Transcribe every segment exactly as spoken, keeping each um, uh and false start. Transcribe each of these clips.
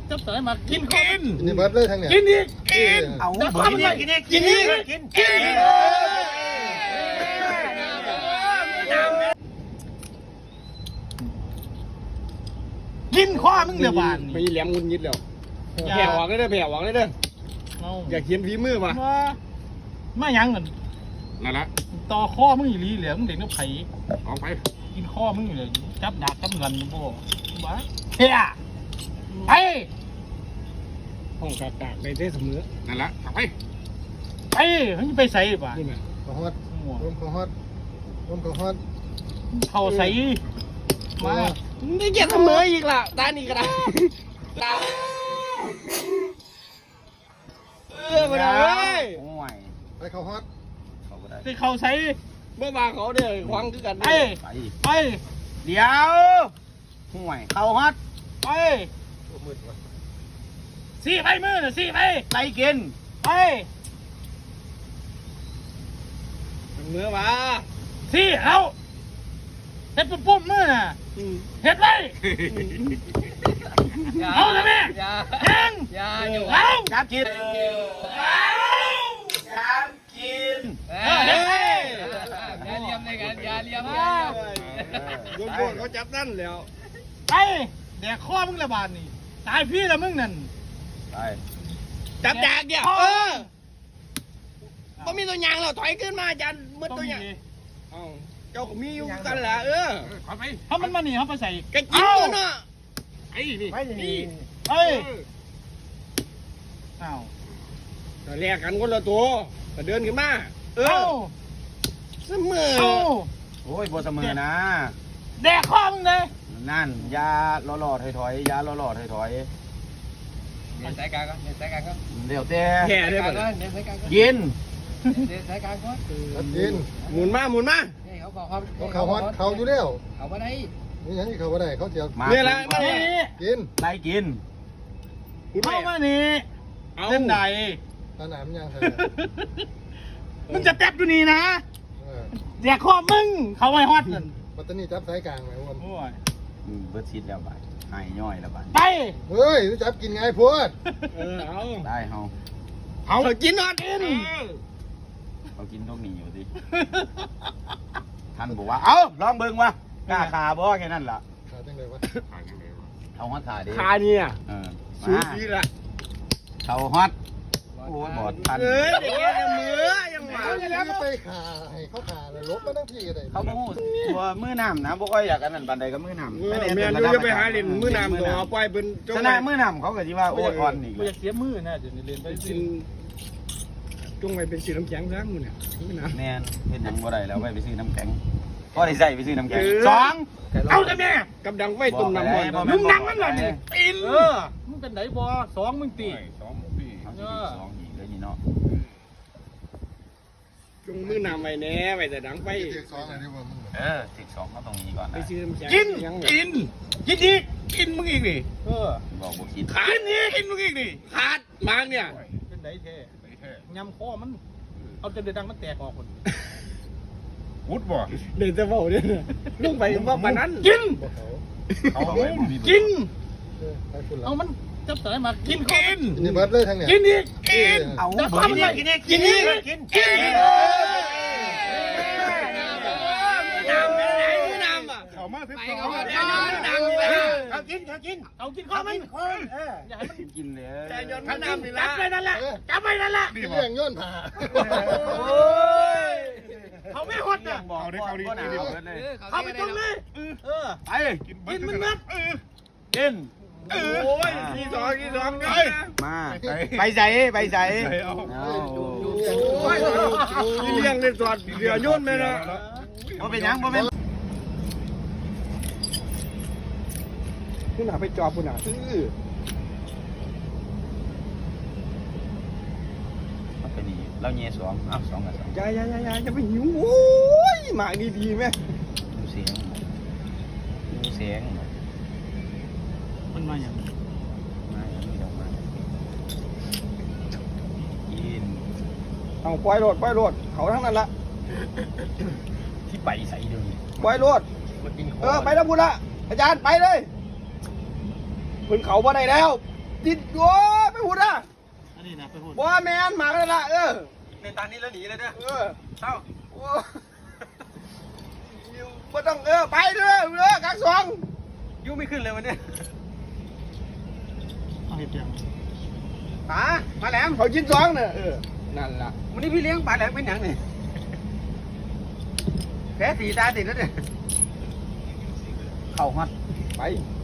จับสายมากินกินนี่เบิร์ดเลยทางเนี่ยกินอีกกินเอาจับเบิข้าวดมันนี่กินอีกกินอีกกินกินกินข้อมึงเดี๋ยวบานไม่แหลมงุนยิดแล้วแผ่ออกเลยเด้อแผ่ออกเลยเด้ออยากเขียนฝีมือป่ะมามายังเงินนั่นละต่อข้อมึงอีหลีเหลือมึงเด็กน้ำไผ่ออกไปกินข้อมึงอยู่เลยจับดาบจับเงินมึงบ่บ้าเฮียไปห้องกากากในเทเสมอนั่นละออกไปไปมึงไปใส่ป่ะนี่ไงขอฮอดร่มขอฮอดร่มขอฮอดเข้าใส่มานี่เกียรเสมออีกล่ะตานี่ก็ได้ตาเออมาเลยโอ้ยไปเขาฮอดเขาก็ได้ไปเข้าใส่เมื่อวานเขาเด้อควังคือกันไปไปไปเดี๋ยวห่วยเข้าฮอตไปมืดวะสี่ไปมือน่ะสี่ไปไล่กินไปเมื่อวาสี่เอาเฮ็ดปุ่มๆมือน่ะเฮ็ดไปเอาเลยแม่แทงอย่าอยู่เอาจับกินจับกินเออเฮ็ดไปอย่าเลี้ยมในกันอย่าเลี้ยมโดนโดนเขาจับนั่นแล้วไปแดกข้อมึงละบาดนี่ตายพี่ละมึงนั่นไปจับดากเดียวเออก็มีตัวยางแล้วถอยขึ้นมาอาจารย์มืดตัวยางเอ้าเจ้าก็มีอยู่กันแหละเออขอไปถ้ามันมาหนีเขาไปใส่กระจิ้มตัวเนาะไอ้นี่ไปนี่เฮ้ยอ้าวแลกกันคนละตัวก็เดินขึ้นมาเอเอ้าอเสมอเอ้าโอ้ยบัวเสมอนะแดกข้อมึงเลยนั่นยาล่อหลอดถอยๆยาล่อหลอดถอยเดินสายกลางก่อนเดินสายกลางก่อนๆเดี๋ยวแต่แผ่ได้เดินป่ะเดินสายกลางก่อนกินเดินสายกลางก่อนตัดกินหมุนมาหมุนมานี่เขาบอกเขาเขาเขาฮอดเขาอยู่แล้วเขามาได้นี่ยังที่เขาบ่ได้เขาเสียมาเนี่ยแหละมานี่เนี่ยกินไล่กินคุณเข้าแม่มานี่เอาเล่นใดตาหนามยังใส่มึงจะแป๊บอยู่นี่นะเออแดกข้อมึง เขาไว้ฮอตนั่นปัตตานีจับสายกลางไหมวะโอ้ยอืมเบิดชิดแล้วบาดหายย่อยแล้วบาดไปเฮ้ยจับกินไงพวดเออเอาได้เฮาเอากินนอนกินเขากินตรงนี้อยู่ดิท่านบอกว่าเอ้าลองเบิ่งวะกล้าขาบ่แค่นั้นล่ะขาจังเลยวะเอาฮอตขาดิขาเนี่ยเออสูมาสีละเขาฮอตโอ้ยบอดทันเอ้ยเด็กยังมือยังหมาเขาจะไปขาให้เขาขาเลยลบมาทั้งที่ก็ได้เขาบ่ฮู้ตัวมือน้ำนะบ่ค่อยอยากอันนั้นปานใดก็มือน้ำเออแม่นูจะไปหาเล่นมือน้ำตัวเอาไปเป็นชนะมือน้ำเขาก็สิว่าโอ้ยอ่อนอีกกูจะเสียมือนะจะเรียนไปเป็นสิสินจงไปเป็นสีน้ำแข็งซะมือเนี่ยมือน้ำแม่นเฮ็ดหยังบ่ได้แล้วไปไปซื้อน้ำแข็งก็ได้ใส่ไปซื้อน้ำแข็งสองเอาเลยแม่กับดังไฟตุ่มน้ำมันบอกไปมึงนั่งมันหน่อยนี่ตีนเออมึงเป็นไหนบอสองมึงตีสองปีเขาสิสองอีกเลยนี่เนาะจงมือน้ำไว้แน่ไว้แต่ดังไฟเด็กสองอะไรวะมึงเออสิบสองเขาตรงนี้ก่อนไปนะซื้อน้ำแข็งกินยังกินกินอีกกินมึงอีกดิเออบอกบ่คิดขาดนี่กินมึงอีกดิขาดมางเนี่ยเป็นไหนแท้ยำข้อมันเอาจนเดือดดังมันแตกออกคนวุดบ่เดินจะเฝ้าเนี่ยลุงไปว่าปานนั้นกินบอกเขาเขาบอกว่ามีกินเออไปคุณละเอามันจับสายมากินกินนี่เบิร์ดเลยทางเนี่ยกินอีกกินเอาจับเบิข้อดมันนี่กินอีกกินอีกกินกินน้ำไปไหนน้ำอ่ะเขามาสิบไปสอเขางมาน้ำน้ำไปเอากินเอากินเอากินข้อมันอย่าให้มันกินเลยแต่ยนต์น้ำนี่จัละบไปนั่นแหละจับไปนั่นแหละเรื่องย้อนผ่าโอ้ยเขาไม่ฮอตนะบอกเขาดิเขาดิเขาดิเลยเขาไปตรงนี้เออไปกินมันนัดกินโอ้ยทีสองทีสองเลยมาไปใส่ไปใส่เอานี่เลี้ยงในสอดเหลือโยนไหมนะบ่เป็นหยังบ่เป็นคุณหาไปจอบคุณหาซื้อเอาไปนี่เราเงี้ยสองอ้าวสองกับสองยายายายาจะไปหิวโอ้ยหมาดีดีไหมดูเสียงดูเสียงมันมาอย่างมาอย่างนี้ดอกมากินเอาปล่อยโลดปล่อยโลดเขาทั้งนั้นละที่ไปใส่เดี๋ยวนี้ปล่อยโลดเออไปแล้วพูดละอาจารย์ไปเลยคุณเขาบ่ได้แล้วติดโอ้ไม่พูดอ่ะอันนี้นะไปพูดว่าแมนหมากเลยละเออในตอนนี้แล้วหนีเลยเด้อเออเอ้าโอ้ยูไม่ต้องเออไปเด้อเด้อกักสองยูไม่ขึ้นเลยวันนี้เอาเห็ดยังป๋ามาแหลมเขาชิ้นสองเนี่ยเออนั่นล่ะวันนี้พี่เลี้ยงป๋าแหลมเป็นหยังนี่แพ้สีตาติดแล้วเนี่ยเข้าฮอดไป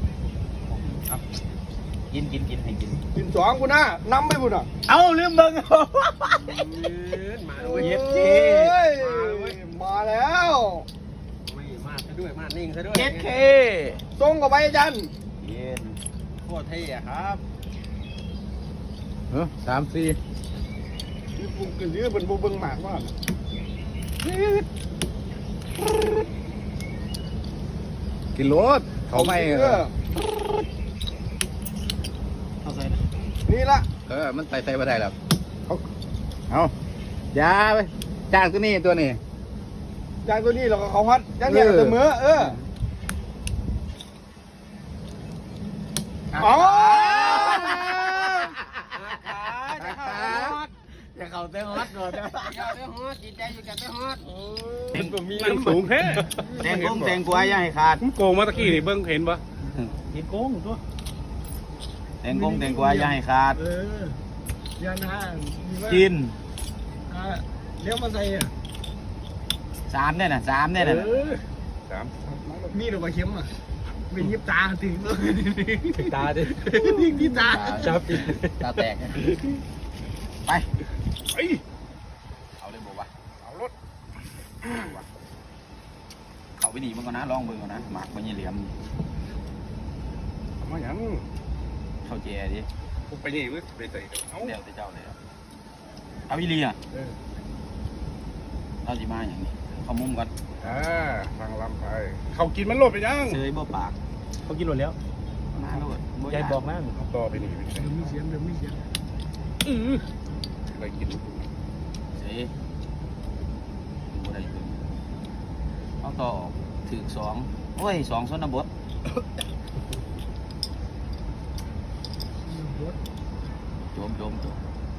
กินกินกินให้กินชิ้นสองกูนะนำไปพูดอ่ะเอาลืมเบิ่งมาโอ้ด้วยยมาแล้วไม่มาซะด้วยมานิ่งซะด้วยเจ็ดเคส่งกับไปอาจารย์เย็นโคตรเท่อะครับเออสามสี่นี่ปุ่มกันยื้อเป็นบุเบิงหมากว่ากินรถเขาไม่เออเอาใส่นะนี่ละเออมันใส่ใส่มาได้แล้วเอาเอาอย่าไปจ้างตัวนี้ตัวนี้จางตัวนี้เราก็เขาฮัดจางเนี่ยเสมอเอออ๋ออย่าเข้าเต้นฮอตก่อนนะอย่าไปฮอตจิตใจอยู่กับไปฮอตเต็งมันสูงแท้เต็งกุ้งเต็งกล้วยอย่าให้ขาดผมโกงมาตะกี้นี่เบิ่งเห็นปะเห็ดโกงตัวเต็งกุ้งเต็งกล้วยอย่าให้ขาดเออยันห้างกินเลี้ยวมาใส่อ่ะสามเนี่ยนะสามเนี่ยนะสามมีหรือว่าเข็มอ่ะเป็นยิบตาถึงตาดิยิบตาจับติตาแตกไปไอ้ยเอาเลยบอกว่าเอารถเขาไปหนีมันก่อนนะลองเบิ่งก่อนนะหมักมันยี่เหลี่ยมเอามาหยังเข้าเจดิผมไปนี่เว้ยไปใส่เอาเดี๋ยวจะเจ้าเลยเอาอีเลียเออเราจะมาอย่างนี้เขามุมก่อนอ่าฟังลำไป เขากินมันโลดไปยังเซยบ่ปากเขากินหมดแล้วมาโลดยายบอกนะเอาต่อไปนี่ไปใส่มีเสียงเดี๋ยวมีเสียงอื้ออะไรกินเซยบ่ได้เบิ่งเอาต่อถือสองโอ้ยสองส้นบดโจมโจมโจม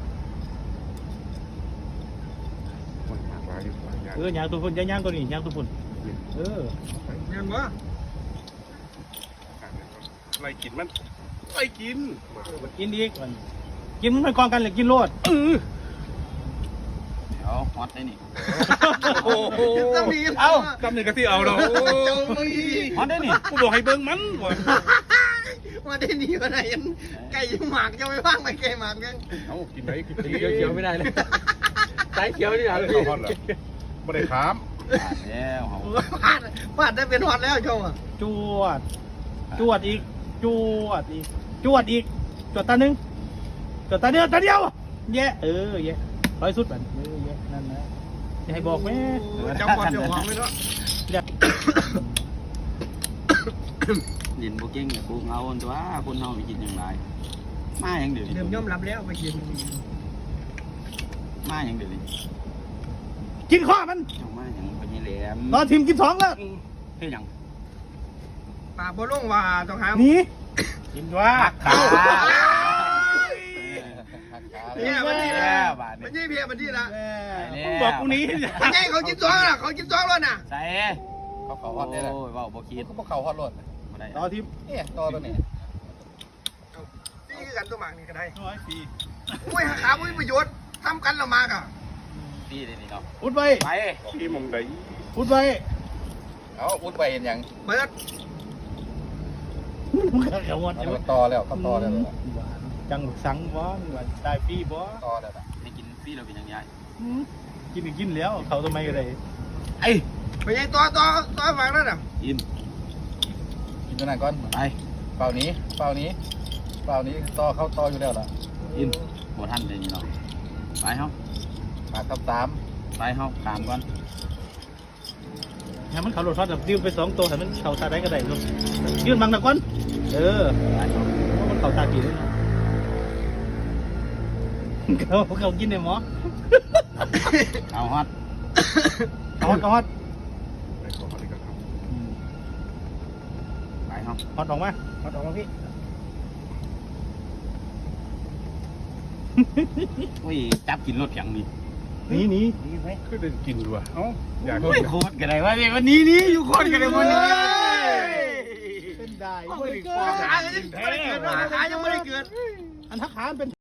มันหมากลายอยู่หลายอย่างเออยางตัวพุ่นยางยางตัวนี้ยางตัวพุ่นเออยังวะอะไรกินมันอะไรกินกินอีกมันกินมันกองกันเลยกินโลดเออเดี๋ยวฮอตได้นี่โอ้โหจะมีเอาจำหนึ่งกะที่เอาเราฮอตได้นี่กูบอกให้เบิ่งมันว่ะมาได้หนีมาไหนยันไก่ยังหมากจะไม่ว่างไปไก่หมากยังเอากินไหนกินเขียวเขียวไม่ได้เลยสายเขียวนี่เหรอเอาพี่ฮอตเหรอไม่ได้ขามขาดแล้วเขาพลาดพลาดได้เป็นฮอตแล้วชมอ่ะจวดจวดอีกจวดอีกจวดอีกจวดตาหนึ่งจวดตาเดียวตาเดียวแย่เออแย่ร้อยสุดแบบเออแย่นั่นนะจะให้บอกไหมจังหวะจังหวะไม่รู้เรียกยินบุกิ้งเนี่ยปูเอาอันตัวคนเฮาไปกินอย่างไรมาอย่างเดียวเริ่มยอมรับแล้วไปกินมาอย่างเดียวดิกินข้อมันเจ้ามาอย่างพญแหลมตอนทีมกินสองแล้วเฮ้ยยังปากบ่ลงว่าต้องหาหนีกินว่าขาเนี่ยมันนี่แล้ละวบาทมันนี่ยี่เพียมันนี่ละมึงบอกกูหนี้มันไงเขากินซองล่ะเขากินซองแล้วน่ะใส่เขาเขาฮอตได้แหละโอ้ยเว่าบ่คิดเขาบอกเขาฮอตรถบ่ได้ต่อทีมเนี่ยต่อตัวนี้นี่คือกันตัวหมากนี่ก็ได้ร้อยปีอุ้ยหาขาอุ้ยประโยชน์ทำกันละมากอ่ะพี่ได้นี่เนาะอุดไว้ไปที่มองใดอุดไว้เอาอุ้ดไปเห็นยังเบิดมึงเขาหมดเอาต่อแล้วเขาต่อแล้วจังสังบ่ได้ปีบ่ต่อแล้วให้กินฟรีเราเป็นยังไงกินก็กินแล้วเขาทำไมก็ได้ไอ้ไปยังตัวตัวตัวหมากนั่นน่ะกินกินตัวนั้นก่อนไปเป่านี้เป่านี้เป่านี้ต่อเข้าต่ออยู่แล้วล่ะกินบ่ทันได้นี่เนาะไปเฮาปากทับสามไปเฮาตามก่อนงั้นมันเขาโหลดทอดแบบยืมไปสองตัวแต่มันเขาตาได้ก็ได้ลูกยืนบังตะก้อนเออมันเขาตากี่ด้วยนะเขาเขากินในหมอเอาฮอตฮอตฮอตไปขอเขาดีกว่าครับไปเฮาฮอตออกมาฮอตออกมาพี่โอ้ยจับกินรถอย่างนี้หนีหนีคือได้กินด้วยเอ้าอยากโอ้ยโคตรกันได้วะเนี่ยวันนี้นี่อยู่โคตรกันได้หมดเลยเป็นได้โอ้ยขายังไม่ได้เกิดขายังไม่ได้เกิดอันทักขานเป็น